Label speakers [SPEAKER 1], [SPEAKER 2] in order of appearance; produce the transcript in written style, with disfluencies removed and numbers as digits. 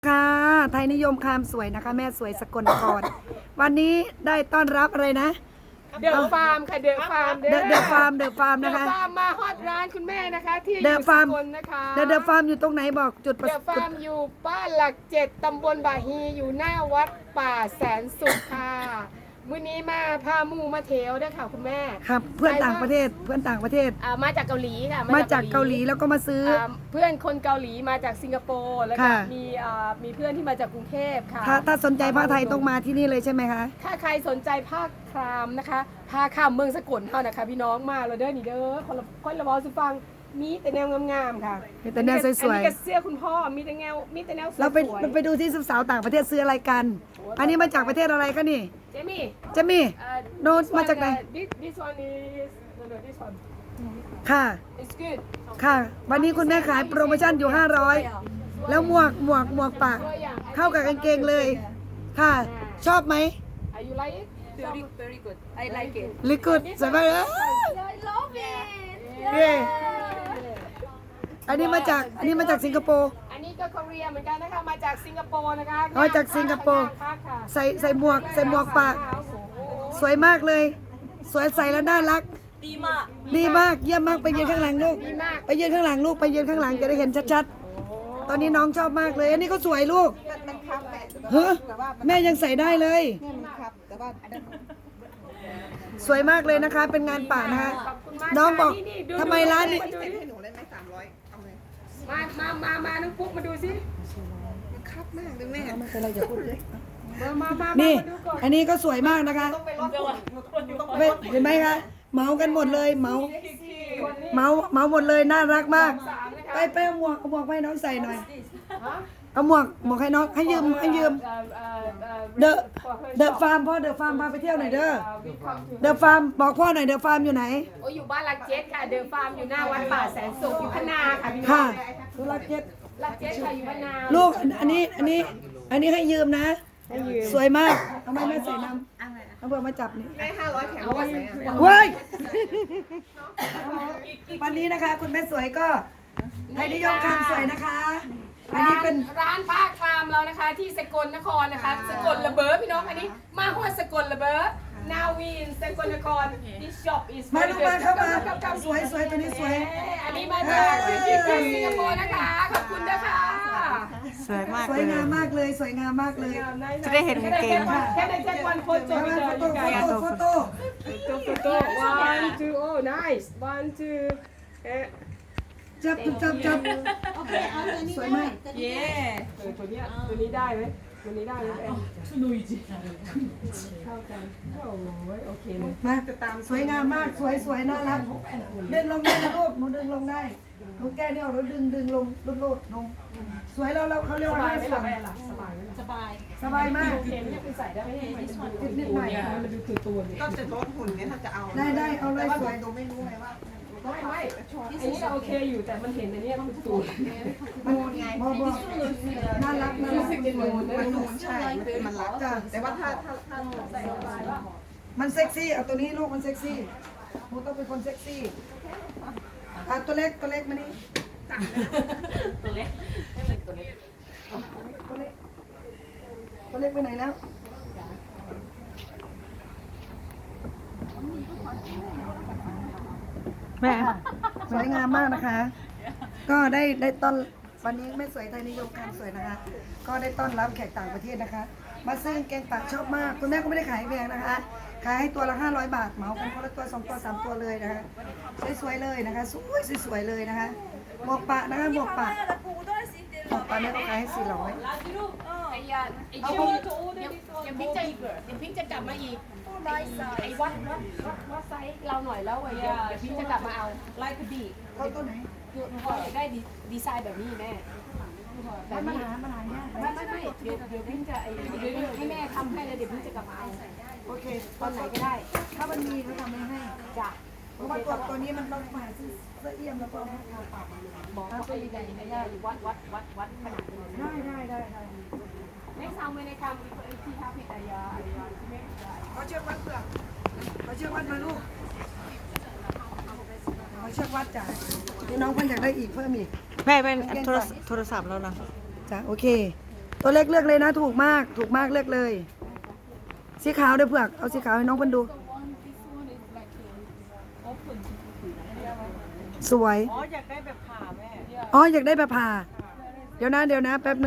[SPEAKER 1] ค่ะไทยนิยมคามสวยนะคะแม่สวยสกลนครวันนี้ได้ต้อนรับอะไรนะ
[SPEAKER 2] เดอะฟาร์มค่ะเดอะฟาร์ม
[SPEAKER 1] เดอะฟาร์มนะคะ
[SPEAKER 2] เดอะฟาร์มมาฮอตร้านคุณแม่นะคะที่อ
[SPEAKER 1] เดอะ
[SPEAKER 2] ยู่ส
[SPEAKER 1] ฟาร์ม
[SPEAKER 2] กลนะคะ
[SPEAKER 1] เดอะฟาร์มอยู่ตรงไหนบอกจุดประ
[SPEAKER 2] เดอะฟาร์มอยู่บ้านหลัก7ตำบลบาฮีอยู่หน้าวัดป่าแสนสุขค่ะมื้อนี้มาพาหมู่มาเทวด้วยค่ะคุณแม่
[SPEAKER 1] ครับเพื่อนต่างประเทศ
[SPEAKER 2] มาจากเกาหลีค่ะ
[SPEAKER 1] มาจากเกาหลีแล้วก็มาซื้อ
[SPEAKER 2] เพื่อนคนเกาหลีมาจากสิงคโปร์แล้วก็
[SPEAKER 1] ค่ะ
[SPEAKER 2] มีเพื่อนที่มาจากกรุงเทพค่ะ
[SPEAKER 1] ถ้าสนใจผ้าไทยต้องมาที่นี่เลยใช่ไหมคะ
[SPEAKER 2] ถ้าใครสนใจผ้าครามนะคะผ้าข้ามเมืองสกลเท่านะคะพี่น้องมาเลยเด้อนี่เด้อคนละวอสุฟังมีแต่แนวงามๆค่ะ
[SPEAKER 1] มีแต่แนวสวยๆ
[SPEAKER 2] อันนี้ก็เสื้อคุณพ่อมีแต่แนวสวยๆ
[SPEAKER 1] เราไปดูที่สาวต่างประเทศซื้ออะไรกัน อันนี้มาจากประเทศอะไรคะนี่
[SPEAKER 2] เจมี่
[SPEAKER 1] เจะมีโน้ตมาจากไหน
[SPEAKER 2] this one is no this one
[SPEAKER 1] ค่ะ
[SPEAKER 2] it's good
[SPEAKER 1] ค่ะ วันนี้คุณแม่ขายโปรโมชั่นอยู่500แล้วหมวกปากเข้ากับกางเกงเลยค่ะ ชอบไหม
[SPEAKER 2] Are you like it
[SPEAKER 3] Very good. I like it.
[SPEAKER 1] ลิกุดสบายเลย
[SPEAKER 3] I love it.
[SPEAKER 1] เย้อันนี้มาจากสิงคโปร์
[SPEAKER 2] อันนี้ก็เกาหลีเหมือนกันนะคะมาจากสิงคโปร์นะคะ
[SPEAKER 1] มาจากสิงคโปร์
[SPEAKER 2] ค่ะ
[SPEAKER 1] ใส่หมวกปาก สวยมากเลย สวยใส่แล้วน่ารัก ดีมากเยี่ยมมากไปยืนข้างหลังลูกไปยืนข้างหลังลูกไปยืนข้างหลังจะได้เห็นชัดๆตอนนี้น้องชอบมากเลย อันนี้ก็สวยลูก
[SPEAKER 3] มันครับแม่
[SPEAKER 1] เฮ้แม่ยังใส่ได้เลย
[SPEAKER 3] เนี่ยมันครับแต่ว่า
[SPEAKER 1] สวยมากเลยนะคะ เป็นงานป่านะคะน้องบอกทำไมร้านนี้
[SPEAKER 3] เซ็นให้หนูได้ไหม300เอาเลย
[SPEAKER 2] มาน้องปุ๊กมาดูสิ
[SPEAKER 3] มันครับมากเลยแม่
[SPEAKER 1] ไม่เป็นไรอย่าพูดเลย
[SPEAKER 2] มา
[SPEAKER 1] นี่
[SPEAKER 2] ดูก่อน
[SPEAKER 1] อันนี้ก็สวยมากนะคะเห็นไหมคะเหมากันหมดเลยเหมาหมดเลยน่ารักมาก ไปเอาหมวกให้น้องใส่หน่อยเอาหมวกให้น้องให้ยืมเดอะฟาร์มพ่อเดอะฟาร์มพาไปเที่ยวหน่อยเด้อเดอะฟาร์มบอกพ่อหน่อยเดอะฟาร์มอยู่ไหน
[SPEAKER 2] โอ้อยู่บ้านลักเจ็ดค่ะเดอะฟาร์มอยู่หน้าวัดป่าแสนสุขอยู่พนาค่ะพี่น้
[SPEAKER 1] ค่ะ
[SPEAKER 2] อง
[SPEAKER 1] ธุรกิจ
[SPEAKER 2] ลักเจ็ดค่ะอยู่พนา
[SPEAKER 1] ลูกอันนี้ให้ยืมนะ สวยมากทำไมแม่ใส่น้ำเอาเบอร์มาจับนี่
[SPEAKER 3] ได้500แถมด้วยไหมอ่ะ
[SPEAKER 1] เว้ยวันนี้นะคะ คุณแม่สวยก็ไทยนิยมคำสวยนะคะ อันนี้เป็น
[SPEAKER 2] ร้านผ้าคลามเรานะคะ ที่สกลนครนะคะ สกลระเบิดพี่น้องอันนี้มาหัวสกลระเบิดนาวีนสกลนคร this shop is
[SPEAKER 1] มาลูกมาเข้ามาสวยตัวนี้สวย
[SPEAKER 2] อันนี้มาจากสิงคโปร์นะคะขอบคุณนะคะ
[SPEAKER 4] สวยมาก
[SPEAKER 1] สว
[SPEAKER 4] เลย ย
[SPEAKER 1] งามมากเลยสวยงามมากเลย
[SPEAKER 4] จะได้เห็นกางเกงค่ะ
[SPEAKER 2] แค่ในแจ็ควันโฟโต้
[SPEAKER 1] โฟโต้
[SPEAKER 2] โต้ one two oh nice one two
[SPEAKER 1] จับสวยมาก
[SPEAKER 2] ตัวนี้ได้ไหมตัวนี้ได้ไหมนุยจีเข้ากันโอเคเลย
[SPEAKER 1] มาสวยงามมากสวยน่ารักดึงลงได้นะลูกหนูดึงลงได้หนูแก้เนี่ยเราดึงลงลุดลงสวยเราเขาเรียกว่าให้สวย สบายมาก
[SPEAKER 2] โอเคไม่ได้ไปใส่ได้ไหมให้มัน
[SPEAKER 1] นิดหน่อย
[SPEAKER 2] มันดูตัวๆ
[SPEAKER 3] ก็จะลดหุ่นเนี่ยถ้าจะเอา
[SPEAKER 1] ได้เอาเลยสวย
[SPEAKER 3] ดูไม่รู้ไงว่า
[SPEAKER 2] ไม่อันนี้โอเคอยู่แต่มันเห็นอันนี้มันตัว
[SPEAKER 1] มันไงบอน่ารัก
[SPEAKER 2] รู้สึกจะนูน
[SPEAKER 3] มันนูนใช่มันรัก
[SPEAKER 1] จ้ะ
[SPEAKER 3] แต่ว่าถ้า
[SPEAKER 1] มันเซ็กซี่เอาตัวนี้ลูกมันเซ็กซี่หนูต้องเป็นคนเซ็กซี่ตัวเล็กมานี่ตัวเล็กไปไหนแล้วแม่สวยงามมากนะคะ ก็ได้ต้อนวันนี้แม่สวยไทยนิยมการสวยนะคะ ก็ได้ต้อนรับแขกต่างประเทศนะคะ มาซื้อแกงป่าชอบมากคุณแม่ก็ไม่ได้ขายแพงนะคะ ขายให้ตัวละ500 บาทเหมากันคนละตัว2ตัว3ตัวเลยนะคะสวยๆเลยนะคะสวยๆเลยนะคะหมวกปะนะคะหมวกปะแม่ก็ขายให้400
[SPEAKER 2] ไอ้ยาไอ้ชิวยังพิงจะกลับมาอีกไอ้วัดไซส์เราหน่อยแล้วเดี๋ยวพิงจะกลับมาเอาไลค์ดี
[SPEAKER 1] เขาตัวไหน
[SPEAKER 2] พออยากได้ดีไซน์แบบนี้แม่แบบนี้ไม่เดี๋ยวพิงจะให้แม่ทำให้แล้วเดี๋ยวพิงจะกลับมาเอา
[SPEAKER 1] โอเค
[SPEAKER 2] ตอนไหนก็ได้
[SPEAKER 1] ถ้ามันมีเขาทำให้
[SPEAKER 2] จ้ะ
[SPEAKER 1] เพราะว่าตัวนี้มันต้องมาซื้อเสื้อเอี่ยมแล้วก็ให้ทาปาก
[SPEAKER 2] บอกว่าตัวใหญ่ๆได้วัดขนาดนี้
[SPEAKER 1] ได้
[SPEAKER 2] ไม่ซ้ำเลยในคำที่ท้าผิดอายาที่ไม่ได้
[SPEAKER 1] เขาเชือกวัดเปลือกเขาเชือกวัดมาลูกเขาเชือกวัดจ้ะนี่น้องเพิ่นอยากได้อีกเพิ่มอีก
[SPEAKER 4] แม่เป็นโทรศัพท์แล้วนะ
[SPEAKER 1] จ้ะโอเคตัวเล็กเลือกเลยนะถูกมากเลือกเลย สีขาวเดี๋ยวเผือกเอาสีขาวให้น้องเพิ่นดู สวย
[SPEAKER 3] อ๋ออยากได้แบบผ่าแม่
[SPEAKER 1] อ๋ออยากได้แบบผ่าเดี๋ยวนะแป๊บนึง